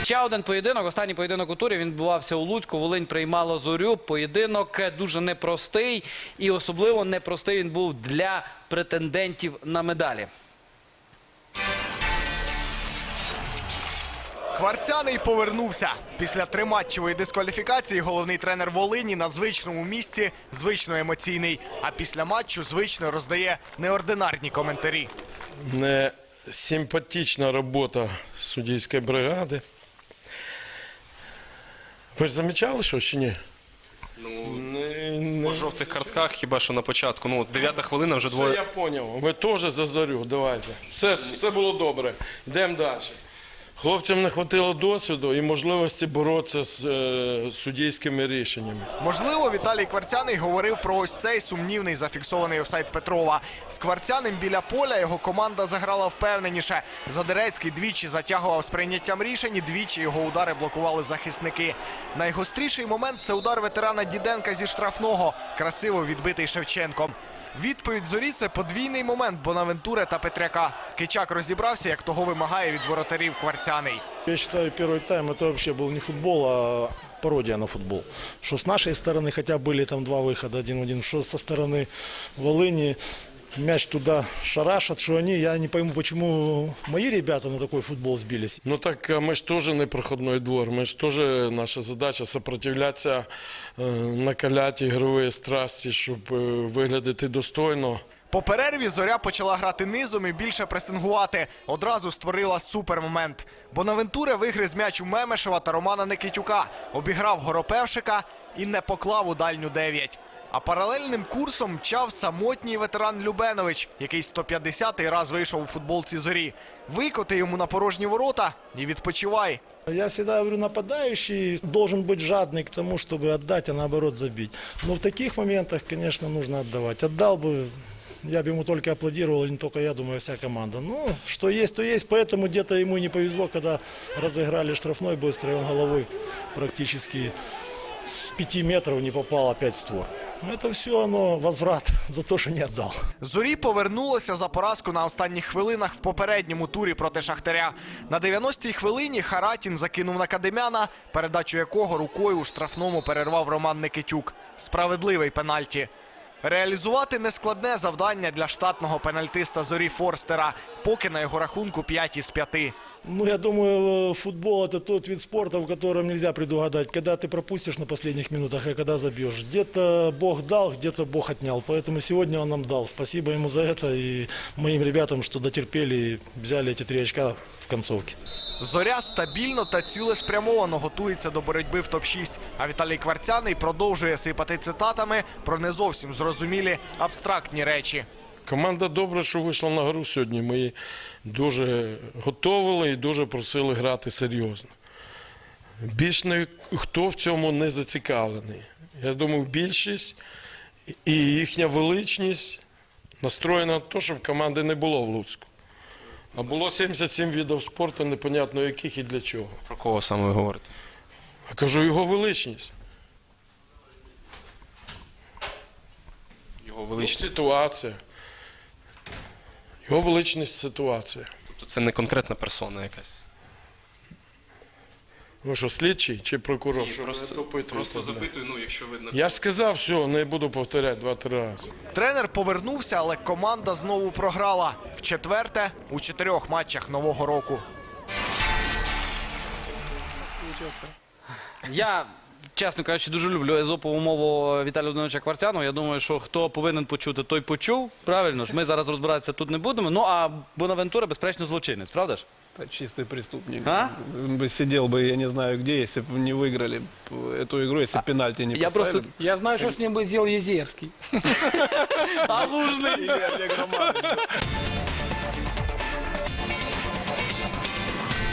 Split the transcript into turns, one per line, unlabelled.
Ще один поєдинок, останній поєдинок у турі, він відбувався у Луцьку, Волинь приймала Зорю. Поєдинок дуже непростий і особливо непростий він був для претендентів на медалі.
Кварцяний повернувся. Після триматчевої дискваліфікації головний тренер Волині на звичному місці звично емоційний. А після матчу звично роздає неординарні коментарі.
Не симпатична робота суддівської бригади. Ви ж замічали, що чи ні?
По жовтих картках хіба що на початку. Ну, 9-та хвилина вже двоє.
Все, я зрозумів. Ви теж за Зорю, давайте. Все було добре. Йдемо далі. Хлопцям не вистачило досвіду і можливості боротися з суддівськими рішеннями.
Можливо, Віталій Кварцяний говорив про ось цей сумнівний зафіксований офсайд Петрова. З Кварцяним біля поля його команда заграла впевненіше. Задерецький двічі затягував з прийняттям рішень, і двічі його удари блокували захисники. Найгостріший момент – це удар ветерана Діденка зі штрафного, красиво відбитий Шевченком. Відповідь Зорі – це подвійний момент Бонавентури та Петряка. Кичак розібрався, як того вимагає від воротарів Кварцяний.
Я вважаю, перший тайм – це взагалі був не футбол, а пародія на футбол. Що з нашої сторони, хоча були там два виходи 1-1, що зі сторони Волині. Мяч туда шарашат, что они, я не пойму, почему мои ребята на такой футбол сбились.
Ну так ми ж теж не проходний двор, ми ж теж, наша задача сопротивлятися, накаляти ігрові страсті, щоб виглядати достойно.
По перерві Зоря почала грати низом і більше пресингувати. Одразу створила супермомент. Бонавентура вигриз м'яч у Мемешева та Романа Никитюка, обіграв Горопевшика і не поклав у дальню 9. А паралельним курсом мчав самотній ветеран Любенович, який 150-й раз вийшов у футболці Зорі. Викоти йому на порожні ворота і відпочивай.
Я всегда говорю, нападающий должен быть жадный к тому, чтобы отдать, а наоборот забить. Но в таких моментах, конечно, нужно отдавать. Отдал бы, я бы ему только аплодировал, и не только я, думаю, вся команда. Ну, что есть, то есть. Поэтому где-то ему не повезло, когда разыграли штрафной быстро, и он головой практически с 5 метров не попал опять в створ. Это все оно возврат за то, що не віддав.
Зорі повернулося за поразку на останніх хвилинах в попередньому турі проти Шахтаря. На 90-й хвилині Харатін закинув на Кадемяна, передачу якого рукою у штрафному перервав Роман Никитюк. Справедливий пенальті. Реалізувати нескладне завдання для штатного пенальтиста Зорі Форстера, поки на його рахунку 5 із 5.
Ну, я думаю, футбол – это тот вид спорта, в котором нельзя предугадать, когда ты пропустишь на последних минутах, и когда забьешь. Где-то Бог дал, где-то Бог отнял. Поэтому сегодня он нам дал. Спасибо ему за это и моим ребятам, что дотерпели и взяли эти 3 очка в концовке.
Зоря стабільно та цілеспрямовано готується до боротьби в топ-6. А Віталій Кварцяний продовжує сипати цитатами про не зовсім зрозумілі абстрактні речі.
Команда добре, що вийшла на гру сьогодні. Ми її дуже готували і дуже просили грати серйозно. Більш ніхто в цьому не зацікавлений. Я думаю, більшість і їхня величність настроєна на те, щоб команди не було в Луцьку. А було 77 видів спорту, непонятно яких і для чого.
Про кого саме ви говорите?
Я кажу, його величність.
Його величність.
Ситуація. Його величність – ситуація.
Тобто це не конкретна персона якась?
Ви що, слідчий чи прокурор?
Просто запитую, ну, якщо видно.
Я ж сказав, все, не буду повторяти 2-3 рази.
Тренер повернувся, але команда знову програла. Вчетверте у 4 матчах нового року.
Я, чесно кажучи, дуже люблю езопову мову Віталія Володимировича Кварцяного. Я думаю, що хто повинен почути, той почув. Правильно ж, ми зараз розбиратися тут не будемо. Ну, а Бонавентура, безперечно, злочинець, правда ж?
Это чистый преступник.
А?
Он бы сидел бы, я не знаю где, если бы не выиграли эту игру, если бы пенальти не
Я
поставили.
просто...
Я знаю, что с ним бы сделал Езерский.
А Лужний!
Или Олег Романович.